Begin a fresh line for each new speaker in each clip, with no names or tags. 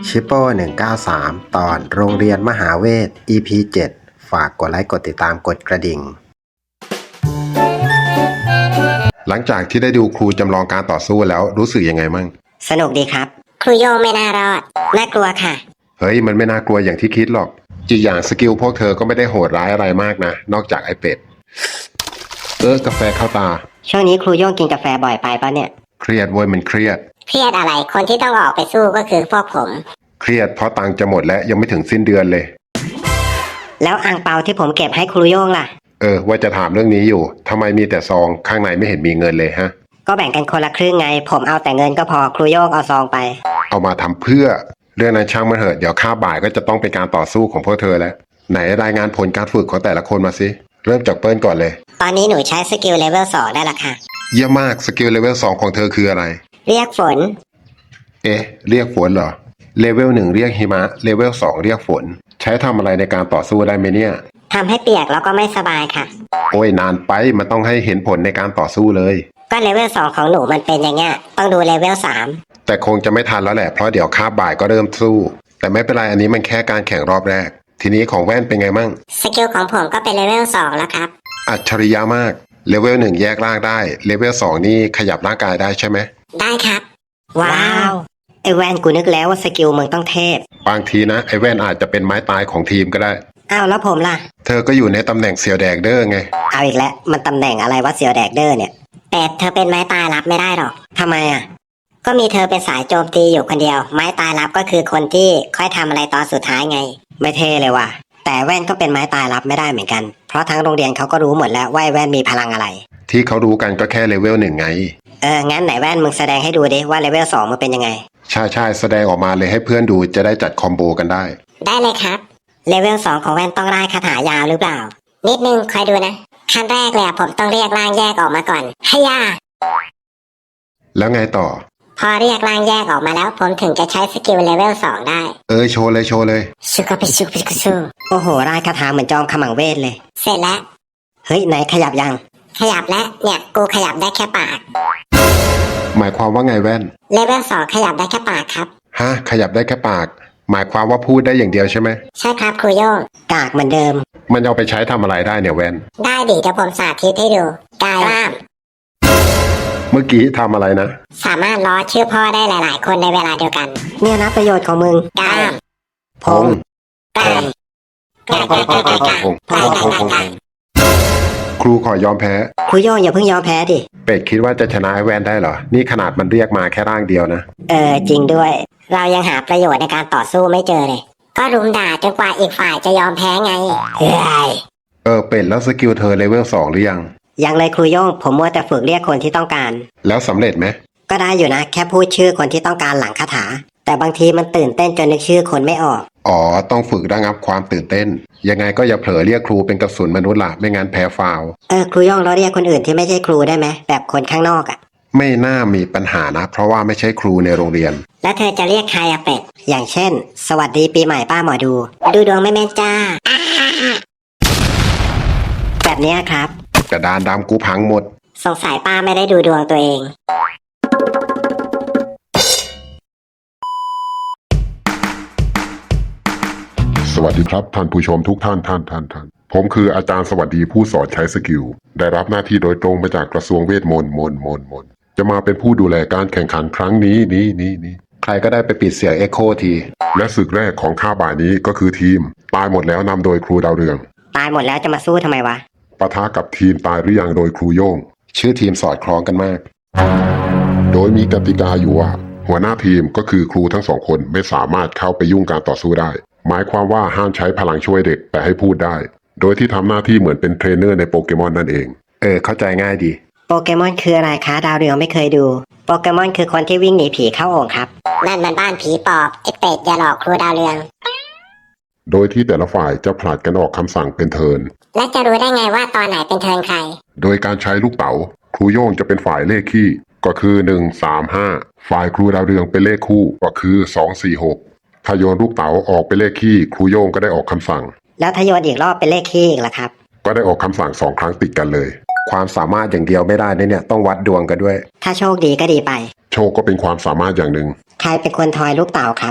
ชิปโป้193 ตอนโรงเรียนมหาเวท EP 7 ฝากกดไลค์กดติดตามกดกระดิ่งหลังจากที่ได้ดูครูจำลองการต่อสู้แล้วรู้สึกยังไงมั่ง
สนุกดีครับครูโยงไม่น่ารอดน่ากลัวค่ะ
เฮ้ยมันไม่น่ากลัวอย่างที่คิดหรอกอีกอย่างสกิลพวกเธอก็ไม่ได้โหดร้ายอะไรมากนะนอกจากไอเป็ดกาแฟเข้าตา
ช่วงนี้ครูโยงกินกาแฟบ่อยไปปะเนี่ย
เครียดเว้ยมันเครียด
อะไรคนที่ต้องออกไปสู้ก็คือพวกผม
เครียดเพราะตังค์จะหมดและยังไม่ถึงสิ้นเดือนเลย
แล้วอ่างเปาที่ผมเก็บให้ครูโยงล่ะ
ว่าจะถามเรื่องนี้อยู่ทำไมมีแต่ซองข้างในไม่เห็นมีเงินเลยฮะ
ก็แบ่งกันคนละครึ่งไงผมเอาแต่เงินก็พอครูโยงเอาซองไป
เอามาทำเพื่อเรื่องนั้นช่างมันเถอะเดี๋ยวค่าบ่ายก็จะต้องเป็นการต่อสู้ของพวกเธอแล้วไหนรายงานผลการฝึกของแต่ละคนมาสิเริ่มจากเปิ้ลก่อนเลย
ตอนนี้หนูใช้สกิลเลเวล2ได้ละค่ะ
เยี่ยมมากสกิลเลเวล2ของเธอคืออะไร
เรียกฝน
เรียกฝนเหรอเลเวล1เรียกหิมะเลเวล2เรียกฝนใช้ทำอะไรในการต่อสู้ได้ไหมเนี่ย
ทำให้เปียกแล้วก็ไม่สบายค่ะ
โอ้ยนานไปมันต้องให้เห็นผลในการต่อสู้เลย
ก็เลเวล2ของหนูมันเป็นอย่างเงี้ยต้องดูเลเวล3
แต่คงจะไม่ทันแล้วแหละเพราะเดี๋ยวคาบบ่ายก็เริ่มสู้แต่ไม่เป็นไรอันนี้มันแค่การแข่งรอบแรกทีนี้ของแว่นเป็นไงมั่ง
สกิลของผมก็เป็นเลเวล2แล้วครับ
อัจฉริยะมากเลเวล1แยกร่างได้เลเวล2นี่ขยับร่างกายได้ใช่ไหม
ได้ครับว้าวไอแว่นกูนึกแล้วว่าสกิลมึงต้องเทพ
บางทีนะไอแว่นอาจจะเป็นไม้ตายของทีมก็ได้
อ้าวแล้วผมล่ะ
เธอก็อยู่ในตำแหน่งเสี่ยวแดกเดอร์ไง
เอาอีกแล้วมันตำแหน่งอะไรวะเสี่ยวแดกเดอร์เนี่ยแต่เธอเป็นไม้ตายรับไม่ได้หรอกทำไมอ่ะก็มีเธอเป็นสายโจมตีอยู่คนเดียวไม้ตายรับก็คือคนที่ค่อยทำอะไรตอนสุดท้ายไงไม่เท่เลยว่ะแต่แว่นก็เป็นไม้ตายรับไม่ได้เหมือนกันเพราะทั้งโรงเรียนเขาก็รู้หมดแล้วว่าแว่นมีพลังอะไร
ที่เขารู้กันก็แค่เลเวล1ไง
งั้นไหนแว่นมึงแสดงให้ดูดิว่าเลเวล2มันเป็นยังไง
ใช่แสดงออกมาเลยให้เพื่อนดูจะได้จัดคอมโบกันได้
ได้เลยครับเลเวล2ของแว่นต้องร่ายคาถายาวหรือเปล่านิดนึงคอยดูนะขั้นแรกเลยผมต้องเรียกร่างแยกออกมาก่อนให้ยา
แล้วไงต่อ
พอเรียกร่างแยกออกมาแล้วผมถึงจะใช้สกิลเลเวล2ได้
โชว์เลย
ชุกะปิชุกปิกุชูโอ้โหร่ายคาถาเหมือนจอมขมังเวทเลยเสร็จแล้วเฮ้ยไหนขยับยังขยับแล้วเนี่ยกูขยับได้แค่ปาก
หมายความว่าไงแว่น
เลเวล2ขยับได้แค่ปากครับ
ฮะขยับได้แค่ปากหมายความว่าพูดได้อย่างเดียวใช่ไหม
ใช่ครับครูโยงกากเหมือนเดิม
มันเอาไปใช้ทำอะไรได้เนี่ยแว่น
ได้ดิเดี๋ยวผมสาธิตให้ดูกายล่าม
เมื่อกี้ทำอะไรนะ
สามารถล้อชื่อพ่อได้หลายๆคนในเวลาเดียวกันเนี่ยนะประโยชน์ของมึงกาม
พง
กาม
ครูขอยอมแพ้
ครูโยงอย่าเพิ่งยอมแพ้ดิ
เป็ดคิดว่าจะชนะแว่นได้เหรอนี่ขนาดมันเรียกมาแค่ร่างเดียวนะ
จริงด้วยเรายังหาประโยชน์ในการต่อสู้ไม่เจอเลยก็รุมด่าจนกว่าอีกฝ่ายจะยอมแพ้ไง
เป็ดแล้วสกิลเธอเลเวล2หรือ
ยังเลยครูโย่งผมมัวแต่ฝึกเรียกคนที่ต้องการ
แล้วสำเร็จไหม
ก็ได้อยู่นะแค่พูดชื่อคนที่ต้องการหลังคาถาแต่บางทีมันตื่นเต้นจนนึกชื่อคนไม่ออก
ต้องฝึกระงับความตื่นเต้นยังไงก็อย่าเผลอเรียกครูเป็นกระสุนมนุษย์ล่ะไม่งั้นแพ้ฟาว
ครูโย่งเราเรียกคนอื่นที่ไม่ใช่ครูได้ไหมแบบคนข้างนอก
ไม่น่ามีปัญหานะเพราะว่าไม่ใช่ครูในโรงเรียน
แล้วเธอจะเรียกใครเป็ดอย่างเช่นสวัสดีปีใหม่ป้าหมอดูดวงไม่แม่นจ้าแบบนี้ครับ
กระดานดำกูพังหมด
สงสัยป้าไม่ได้ดูดวงตัวเอง
สวัสดีครับท่านผู้ชมทุกท่านผมคืออาจารย์สวัสดีผู้สอนใช้สกิลได้รับหน้าที่โดยตรงมาจากกระทรวงเวทมนต์จะมาเป็นผู้ดูแลการแข่งขันครั้งนี้ใครก็ได้ไปปิดเสียงเอ็กโคทีและศึกแรกของข้าบ่ายนี้ก็คือทีมตายหมดแล้วนำโดยครูดาวเรือง
ตายหมดแล้วจะมาสู้ทำไมวะ
ปะทะกับทีมตายหรือยังโดยครูโย่งชื่อทีมสอดคล้องกันมากโดยมีกติกาอยู่ว่าหัวหน้าทีมก็คือครูทั้งสองคนไม่สามารถเข้าไปยุ่งการต่อสู้ได้หมายความว่าห้ามใช้พลังช่วยเด็กแต่ให้พูดได้โดยที่ทำหน้าที่เหมือนเป็นเทรนเนอร์ในโปเกมอนนั่นเองเข้าใจง่ายดี
โปเกมอนคืออะไรคะดาวเรืองไม่เคยดูโปเกมอนคือคนที่วิ่งหนีผีเข้าโอ่งครับนั่นมันบ้านผีปอบไอเป็ดอย่าหลอกครูดาวเรือง
โดยที่แต่ละฝ่ายจะผลัดกันออกคำสั่งเป็นเทิร์น
และจะรู้ได้ไงว่าตอนไหนเป็นเทิร์นใคร
โดยการใช้ลูกเต๋าครูโย่งจะเป็นฝ่ายเลขคี่ก็คือ1 3 5ฝ่ายครูดาวเรืองเป็นเลขคู่ก็คือ2 4 6ถ้าโยนลูกเต๋าออกเป็นเลขคี่ครูโย่งก็ได้ออกคำสั่ง
แล้วถ้าโยนอีกรอบเป็นเลขคี่อีกล่ะครับ
ก็ได้ออกคำสั่ง2 ครั้งติดกันเลยความสามารถอย่างเดียวไม่ได้เนี่ยต้องวัดดวงกันด้วย
ถ้าโชคดีก็ดีไป
โชคก็เป็นความสามารถอย่างหนึ่ง
ใครเป็นคนทอยลูกเต๋าครับ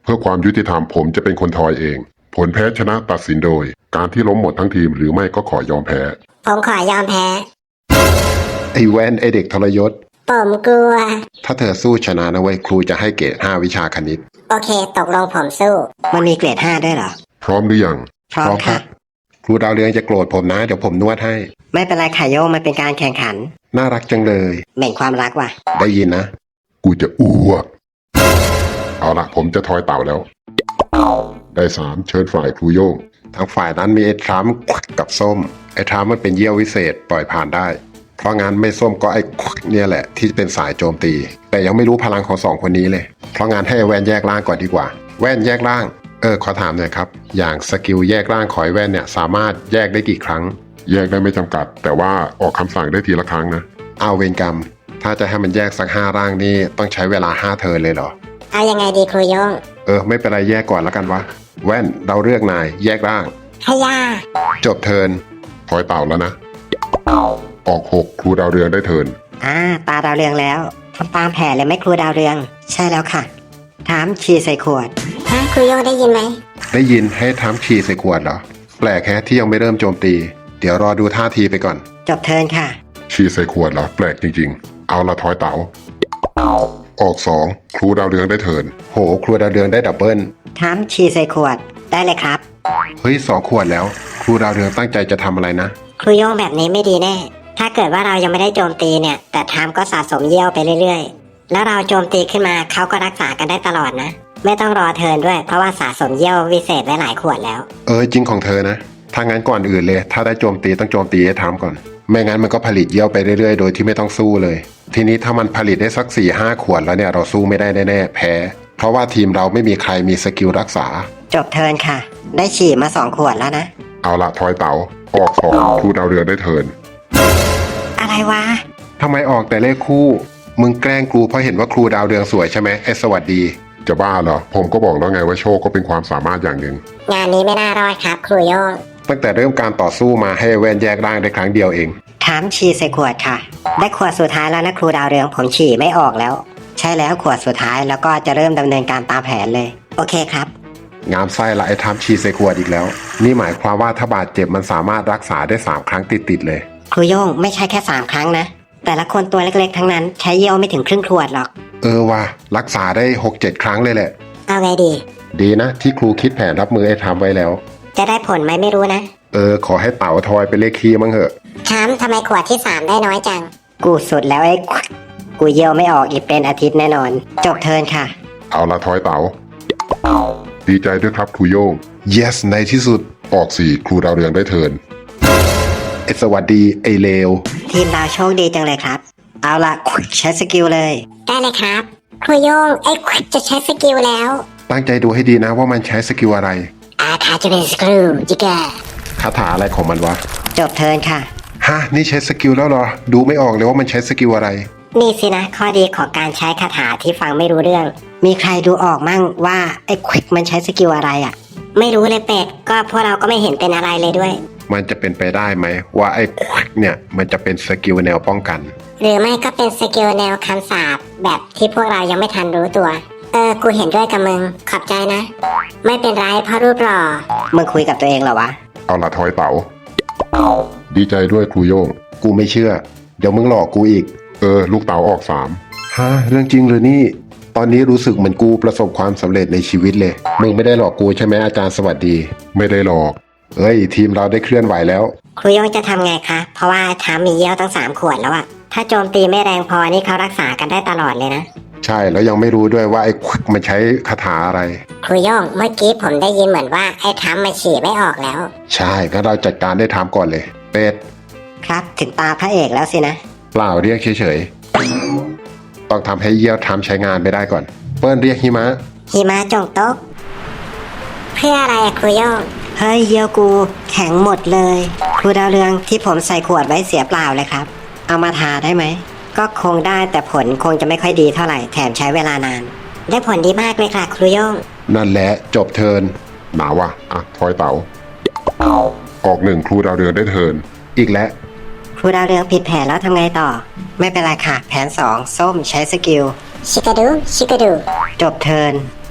เพื่อความยุติธรรมผมจะเป็นคนทอยเอง ผลแพ้ชนะตัดสินโดย การที่ล้มหมดทั้งทีมหรือไม่ก็ขอยอมแพ้
ผมขอยอมแพ้
ไอ้แว่นไอ้เด็กทรยศ
ผมกลัว
ถ้าเธอสู้ชนะนะเว้ยครูจะให้เกรด5วิชาคณิต
โอเค ตกลงผมสู้ มันมีเกรด5ด้วยเหรอ
พร้อมหรือยัง
พร้อมค่ะ
ครูดาวเรืองจะโกรธผมนะ เดี๋ยวผมนวดให้
ไม่เป็นไรค่ะโยงมันเป็นการแข่งขัน
น่ารักจังเลย
เหม็นความรักว่ะ
ได้ยินนะ
กูจะอ้วกเอาละผมจะทอยเต่าแล้ว ได้3เชิญฝ่ายครูโย่ง
ทางฝ่ายนั้นมีไอ้ทรัมป์กับส้ม ไอ้ทรัมป์มันเป็นเยี่ยววิเศษปล่อยผ่านได้ เพราะงั้นไม่ส้มก็ไอ้เนี่ยแหละที่เป็นสายโจมตี แต่ยังไม่รู้พลังของสองคนนี้เลย เพราะงั้นให้แว่นแยกร่างก่อนดีกว่า แว่นแยกร่าง ขอถามหน่อยครับ อย่างสกิลแยกร่างของไอ้แว่นเนี่ยสามารถแยกได้กี่ครั้ง
แยกได้ไม่จำกัด แต่ว่าออกคำสั่งได้ทีละครั้งนะ
เอาเวรกรรม ถ้าจะให้มันแยกสัก5ร่างนี่ต้องใช้เวลา5เทิร์นเลยเหรอ
เอายังไงดีครูโยง
ไม่เป็นไรแยกก่อนแล้วกันวะ แว่นเราเลือกนายแยกร่าง
ขย่า
จบเทิร์น
ทอยเต่าแล้วนะ ออก6ครูดาวเรืองได้เทิร์น
ตาดาวเรืองแล้วทำตามแผนเลยไหมครูดาวเรือง ใช่แล้วค่ะ ถามชีใส่ขวดครูโยงได้ยินไหม
ได้ยินให้ทำฉี่ใส่ขวดเหรอ แปลกแค่ที่ยังไม่เริ่มโจมตี เดี๋ยวรอดูท่าทีไปก่อน
จบเทิร์นค่ะ
ชีใส่ขวดเหรอแปลกจริงๆ เอาละทอยเต่า ออก2ครูดาวเรืองได้เทิร์น
โหครัวดาวเรืองได้ดับเบิล
ถามชีใส่ขวด ได้เลยครับ
เฮ้ย2 ขวดแล้ว ครูดาวเรืองตั้งใจจะทำอะไรนะ
ครูโยงแบบนี้ไม่ดีแน่ ถ้าเกิดว่าเรายังไม่ได้โจมตีเนี่ย แต่ทามก็สะสมเยี่ยวไปเรื่อยๆ แล้วเราโจมตีขึ้นมาเขาก็รักษากันได้ตลอดนะ ไม่ต้องรอเทิร์นด้วย เพราะว่าสะสมเยี่ยววิเศษไว้หลายขวดแล้ว
จริงของเธอนะ ถ้างั้นก่อนอื่นเลย ถ้าได้โจมตีต้องโจมตีให้ทำก่อน ไม่งั้นมันก็ผลิตเยี่ยวไปเรื่อยๆ โดยที่ไม่ต้องสู้เลย ทีนี้ถ้ามันผลิตได้สัก4-5 ขวดแล้วเนี่ยเราสู้ไม่ได้แน่ๆแพ้ เพราะว่าทีมเราไม่มีใครมีสกิลรักษา
จบเทิร์นค่ะ ได้ฉี่มา2 ขวดแล้วนะ
เอาละทอยเต่า ออก2ครูดาวเรืองได้เทิร์น
อะไรวะ
ทำไมออกแต่เลขคู่ มึงแกล้งครูเพราะเห็นว่าครูดาวเรืองสวยใช่ไหมไอ้สวัสดี
จะบ้าเหรอ ผมก็บอกแล้วไงว่าโชคก็เป็นความสามารถอย่างหนึ่ง
งานนี้ไม่น่ารอดครับ ครูโยง
ตั้งแต่เริ่มการต่อสู้มาให้แว่นแยกร่างได้ครั้งเดียวเอง
ถามฉี่ใส่ขวดค่ะ ได้ขวดสุดท้ายแล้วนะครูดาวเรืองผมฉี่ไม่ออกแล้ว ใช่แล้วขวดสุดท้ายแล้วก็จะเริ่มดำเนินการตามแผนเลย โอเคครับ
งามไส้ละไอ้ทำชีใส่ขวดอีกแล้ว นี่หมายความว่าถ้าบาดเจ็บมันสามารถรักษาได้3 ครั้งติดๆเลย
ครูโยงไม่ใช่แค่3 ครั้งนะ แต่ละคนตัวเล็กๆทั้งนั้นใช้เยี่ยวไม่ถึงครึ่งขวดหรอก
ว่ะรักษาได้ 6-7 ครั้งเลยแหละ
เอาไงดี
ดีนะที่ครูคิดแผนรับมือไอ้ทำไว้แล้ว
จะได้ผลไหมไม่รู้นะ
ขอให้เต๋าทอยเป็นเลขคีย์มั้งเหอะ
ถามทำไมขวดที่3ได้น้อยจัง กูสุดแล้วไอ้กูเยี่ยวไม่ออกอีกเป็นอาทิตย์แน่นอน จบเทิร์นค่ะ
เอาละทอยเต่า ดีใจด้วยครับครูโย่ง
yes ในที่สุด
ออก4ครูดาวเรืองได้เทิร์น
ไอ้สวัสดีไอ้เลว
ทีมเราโชคดีจังเลยครับ เอาละใช้สกิลเลย ได้เลยครับ ครูโยงไอ้จะใช้สกิลแล้ว
ตั้งใจดูให้ดีนะว่ามันใช้สกิลอะไร
อาคาจะเป็นสกิลจิกา
คาถาอะไรของมันวะ
จบเทิร์นค่ะ
ฮะนี่ใช้สกิลแล้วเหรอ ดูไม่ออกเลยว่ามันใช้สกิลอะไร
นี่สินะข้อดีของการใช้คาถาที่ฟังไม่รู้เรื่อง มีใครดูออกมั่งว่าไอ้มันใช้สกิลอะไรอ่ะ ไม่รู้เลยเป็ด ก็พวกเราก็ไม่เห็นเป็นอะไรเลยด้วย
มันจะเป็นไปได้ไหมว่าไอ้เนี่ยมันจะเป็นสกิลแนวป้องกัน
หรือไม่ก็เป็นสกิลแนวคำสาปแบบที่พวกเรายังไม่ทันรู้ตัว กูเห็นด้วยกับมึง ขอบใจนะ ไม่เป็นไรเพราะรูปหล่อ มึงคุยกับตัวเองเหรอวะ
เอาละทอยเต่า ดีใจด้วยครูโย่ง
กูไม่เชื่อ เดี๋ยวมึงหลอกกูอีก
ลูกเต่าออก
ฮะเรื่องจริงหรือนี่ ตอนนี้รู้สึกเหมือนกูประสบความสำเร็จในชีวิตเลย มึงไม่ได้หลอกกูใช่ไหมอาจารย์สวัสดี
3 ไม่ได้หลอก
ทีมเราได้เคลื่อนไหวแล้ว
ครูโยงจะทำไงคะ เพราะว่าทามมีเยี่ยวตั้ง3 ขวดแล้วอะถ้าโจมตีไม่แรงพอนี่เขารักษากันได้ตลอดเลยนะ
ใช่แล้วยังไม่รู้ด้วยว่าไอ้มันใช้คาถาอะไร
ครูโยงเมื่อกี้ผมได้ยินเหมือนว่าไอ้ทามมาฉี่ไม่ออกแล้ว
ใช่งั้นเราจัดการได้ทำก่อนเลย เป็ด
ครับถึงตาพระเอกแล้วสินะ
เปล่าเรียกเฉยๆ ต้องทำให้เยี่ยวทำใช้งานไปได้ก่อน เปิ้ลเรียกหิมะ
หิมะจงตกเพื่ออะไรอะครูโยงเฮ้ยเยี่ยวกูแข็งหมดเลยครูดาวเรืองที่ผมใส่ขวดไว้เสียเปล่าเลยครับ เอามาทาได้ไหมก็คงได้แต่ผลคงจะไม่ค่อยดีเท่าไหร่แถมใช้เวลานาน ได้ผลดีมากเลยค่ะครูโยง
นั่นแหละจบเทิร์น
หนาวะทอยเต่า ออก1ครูดาวเรืองได้เทิร์น
อีกแล้ว
ครูดาวเรืองผิดแผนแล้วทำไงต่อ ไม่เป็นไรค่ะ แผน2ส้มใช้สกิลชิกาดูจบเทิร์น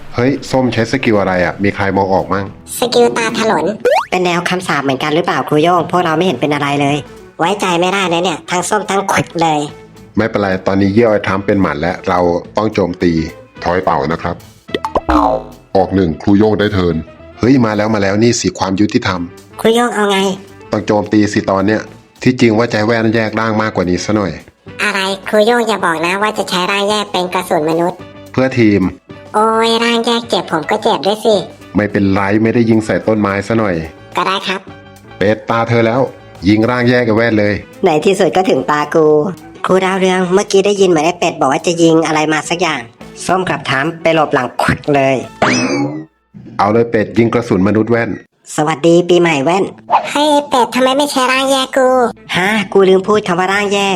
เฮ้ยส้มใช้สกิลอะไรอ่ะมีใครมองออกมั่ง
สกิลตาถลน เป็นแนวคำสาปเหมือนกันหรือเปล่าครูโย่งพวกเราไม่เห็นเป็นอะไรเลย ไว้ใจไม่ได้นะเนี่ยทั้งส้มทั้งขวดเลย
ไม่เป็นไรตอนนี้เยี่ยวไอ้ทรัมป์เป็นหมันแล้วเราต้องโจมตี
ถอยเป่านะครับ ออกหนึ่งครูโย่งได้เทิร์น
เฮ้ยมาแล้วนี่สิความยุติธรรม
ครูโย่งเอาไง
ต้องโจมตีสิตอนเนี้ยที่จริงว่าใจแว่นแยกร่างมากกว่านี้ซะหน่อย
อะไรครูโย่งอย่าบอกนะว่าจะใช้ร่างแยกเป็นกระสุนมนุษย์
เพื่อทีม
โอ้ยร่างแยกเจ็บผมก็เจ็บด้วยสิ
ไม่เป็นไรไม่ได้ยิงใส่ต้นไม้ซะหน่อย
ก็ได้ครับ
เป็ดตาเธอแล้ว ยิงร่างแยกกับแว่นเลย
ในที่สุดก็ถึงตากูครูดาวเรืองเมื่อกี้ได้ยินเหมือนไอ้เป็ดบอกว่าจะยิงอะไรมาสักอย่าง ส้มกับถามไปหลบหลังควักเลย
เอาเลยเป็ดยิงกระสุนมนุษย์แว่น
สวัสดีปีใหม่แว่นเฮ้ยเป็ดทำไมไม่ใช้ร่างแยกกูฮะกูลืมพูดคำว่าร่างแยก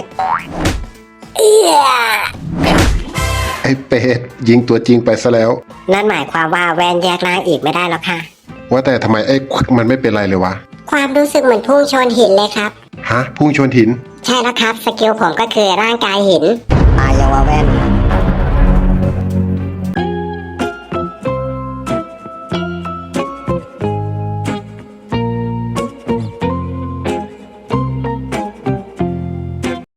ไอ้เป็ดยิงตัวจริงไปซะแล้ว
นั่นหมายความว่าแวนแยกร่างอีกไม่ได้แล้วค่ะ
ว่าแต่ทำไมไอ้ควักมันไม่เป็นไรเลยวะ
ความรู้สึกเหมือนพุ่งชนหินเลยครับ
ฮะพุ่งชนหิน
ใช่แล้วครับสกิลผมก็คือร่างกายหินตายยังวะแว่น